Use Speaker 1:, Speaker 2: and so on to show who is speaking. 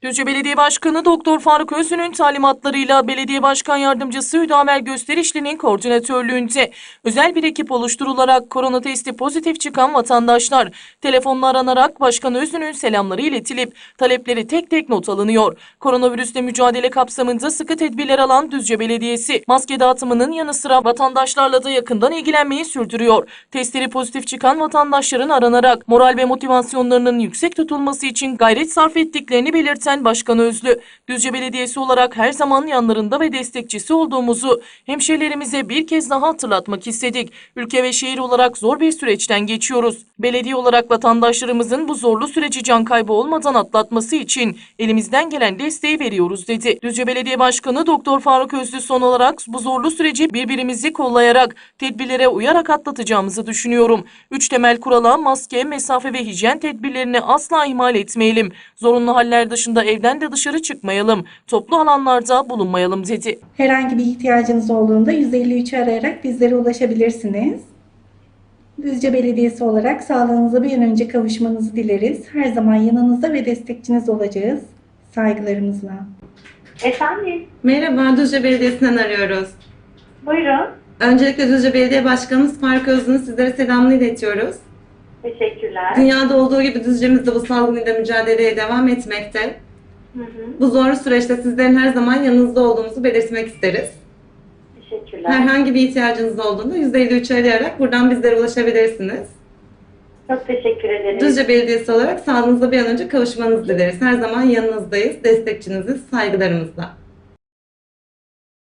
Speaker 1: Düzce Belediye Başkanı Doktor Faruk Özlü'nün talimatlarıyla Belediye Başkan Yardımcısı Hüdaver Gösterişli'nin koordinatörlüğünde özel bir ekip oluşturularak korona testi pozitif çıkan vatandaşlar telefonla aranarak Başkan Özlü'nün selamları iletilip talepleri tek tek not alınıyor. Koronavirüsle mücadele kapsamında sıkı tedbirler alan Düzce Belediyesi maske dağıtımının yanı sıra vatandaşlarla da yakından ilgilenmeyi sürdürüyor. Testleri pozitif çıkan vatandaşların aranarak moral ve motivasyonlarının yüksek tutulması için gayret sarf ettiklerini belirten Başkan Özlü, Düzce Belediyesi olarak her zaman yanlarında ve destekçisi olduğumuzu hemşehrilerimize bir kez daha hatırlatmak istedik. Ülke ve şehir olarak zor bir süreçten geçiyoruz. Belediye olarak vatandaşlarımızın bu zorlu süreci can kaybı olmadan atlatması için elimizden gelen desteği veriyoruz dedi. Düzce Belediye Başkanı Doktor Faruk Özlü son olarak bu zorlu süreci birbirimizi kollayarak, tedbirlere uyarak atlatacağımızı düşünüyorum. 3 temel kurala maske, mesafe ve hijyen tedbirlerini asla ihmal etmeyelim. Zorunlu haller dışında evden de dışarı çıkmayalım. Toplu alanlarda bulunmayalım dedi.
Speaker 2: Herhangi bir ihtiyacınız olduğunda 153'ü arayarak bizlere ulaşabilirsiniz. Düzce Belediyesi olarak sağlığınıza bir an önce kavuşmanızı dileriz. Her zaman yanınızda ve destekçiniz olacağız. Saygılarımızla.
Speaker 3: Efendim,
Speaker 4: Merhaba, Düzce Belediyesi'nden arıyoruz.
Speaker 3: buyurun.
Speaker 4: Öncelikle Düzce Belediye Başkanımız Faruk Özlü'nün sizlere selamını iletiyoruz.
Speaker 3: Teşekkürler.
Speaker 4: Dünyada olduğu gibi Düzce'miz de bu salgınıyla mücadeleye devam etmekte.
Speaker 3: Hı hı,
Speaker 4: Bu zorlu süreçte sizlerin her zaman yanınızda olduğumuzu belirtmek isteriz.
Speaker 3: teşekkürler.
Speaker 4: Herhangi bir ihtiyacınız olduğunda 153'ü arayarak buradan bizlere ulaşabilirsiniz.
Speaker 3: Çok teşekkür ederim.
Speaker 4: Düzce Belediyesi olarak sağlığınıza bir an önce kavuşmanızı dileriz. Her zaman yanınızdayız, destekçiniziz, saygılarımızla.